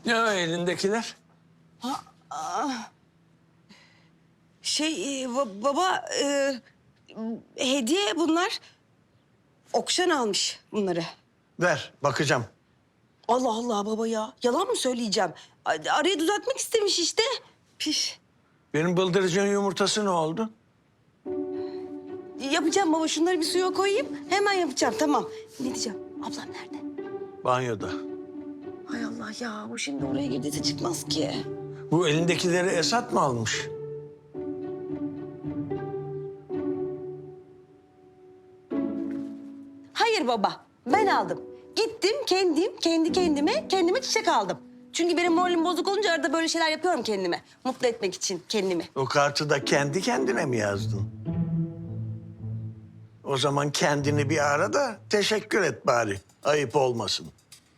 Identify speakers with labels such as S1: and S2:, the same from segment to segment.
S1: Ne o elindekiler?
S2: Baba hediye bunlar. Okşan almış bunları.
S1: Ver, bakacağım.
S2: Allah Allah baba ya. Yalan mı söyleyeceğim? Arayı düzeltmek istemiş işte. Piş.
S1: Benim bıldırcın yumurtası ne oldu?
S2: Yapacağım baba. Şunları bir suya koyayım. Hemen yapacağım tamam. Ne diyeceğim? Ablam nerede?
S1: Banyoda.
S2: Hay Allah ya. O şimdi oraya girdiyse çıkmaz ki.
S1: Bu elindekileri Esat mı almış?
S2: Hayır baba. Ben aldım. Gittim kendi kendime çiçek aldım. Çünkü benim moralim bozuk olunca arada böyle şeyler yapıyorum kendime. Mutlu etmek için kendimi.
S1: O kartı da kendi kendine mi yazdın? O zaman kendini bir ara da teşekkür et bari. Ayıp olmasın.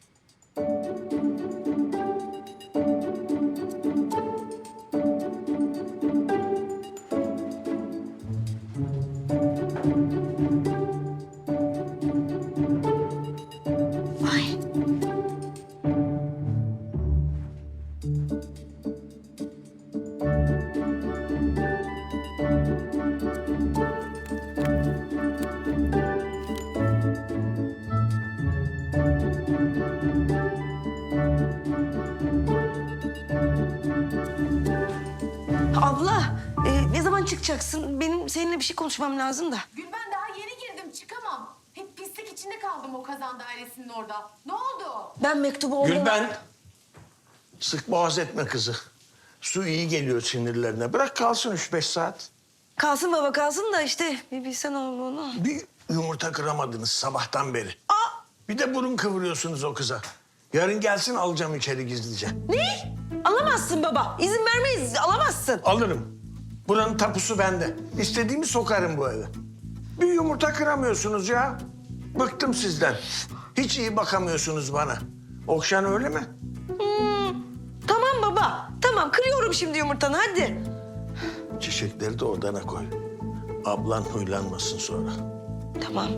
S2: Ay. Abla, ne zaman çıkacaksın? Benim seninle bir şey konuşmam lazım da.
S3: Gülben daha yeni girdim çıkamam. Hep pislik içinde kaldım o kazan dairesinin orada. Ne oldu?
S2: Ben mektubu oğluma...
S1: Gülben, sık boğaz etme kızı. Su iyi geliyor sinirlerine. Bırak kalsın 3-5 saat.
S2: Kalsın baba kalsın da işte bir bilsen onu.
S1: Bir yumurta kıramadınız sabahtan beri.
S2: Aa!
S1: Bir de burun kıvırıyorsunuz o kıza. Yarın gelsin alacağım içeri gizlice.
S2: Ne? Alamazsın baba. İzin vermeyiz. Alamazsın.
S1: Alırım. Buranın tapusu bende. İstediğimi sokarım bu eve. Bir yumurta kıramıyorsunuz ya. Bıktım sizden. Hiç iyi bakamıyorsunuz bana. Okşan öyle mi?
S2: Tamam baba. Tamam kırıyorum şimdi yumurtanı hadi.
S1: Çiçekleri de odana koy. Ablan huylanmasın sonra.
S2: Tamam.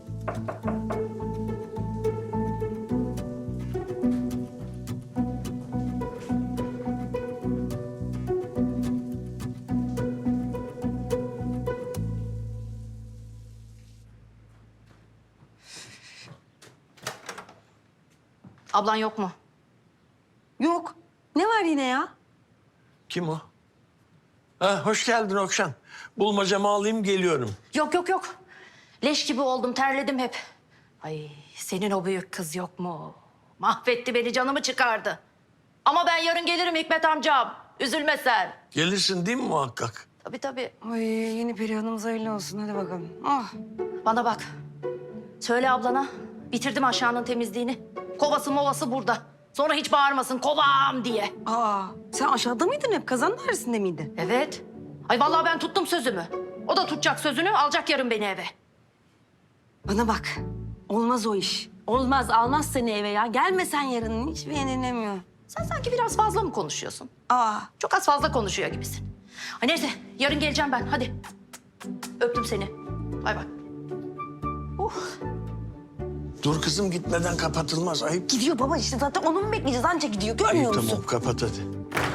S3: Ablan yok mu?
S2: Yok. Ne var yine ya?
S1: Kim o? Ha, hoş geldin Okşan. Bulmacamı alayım geliyorum.
S3: Yok. Leş gibi oldum, terledim hep. Ay senin o büyük kız yok mu? Mahvetti beni, canımı çıkardı. Ama ben yarın gelirim Hikmet amcam. Üzülme sen.
S1: Gelirsin değil mi muhakkak?
S3: Tabii.
S2: Ay yeni Perihan'ımız hayırlı olsun. Hadi bakalım. Ah.
S3: Bana bak. Söyle ablana. Bitirdim aşağının temizliğini. Kovası movası burada. Sonra hiç bağırmasın kovam diye.
S2: Sen aşağıda mıydın hep? Kazan dairesinde miydin?
S3: Evet. Ay vallahi ben tuttum sözümü. O da tutacak sözünü, alacak yarın beni eve.
S2: Bana bak. Olmaz o iş. Olmaz. Almaz seni eve ya. Gelme sen yarın. Hiçbir yerin dinlemiyor.
S3: Sen sanki biraz fazla mı konuşuyorsun?
S2: Aa.
S3: Çok az fazla konuşuyor gibisin. Ay neyse, yarın geleceğim ben. Hadi. Öptüm seni. Bay bay.
S1: Dur kızım gitmeden kapatılmaz. Ayıp.
S2: Gidiyor baba işte zaten onu mu bekleyeceğiz? Anca gidiyor.
S1: Ayıp
S2: Görmüyor musun?
S1: tamam kapat hadi.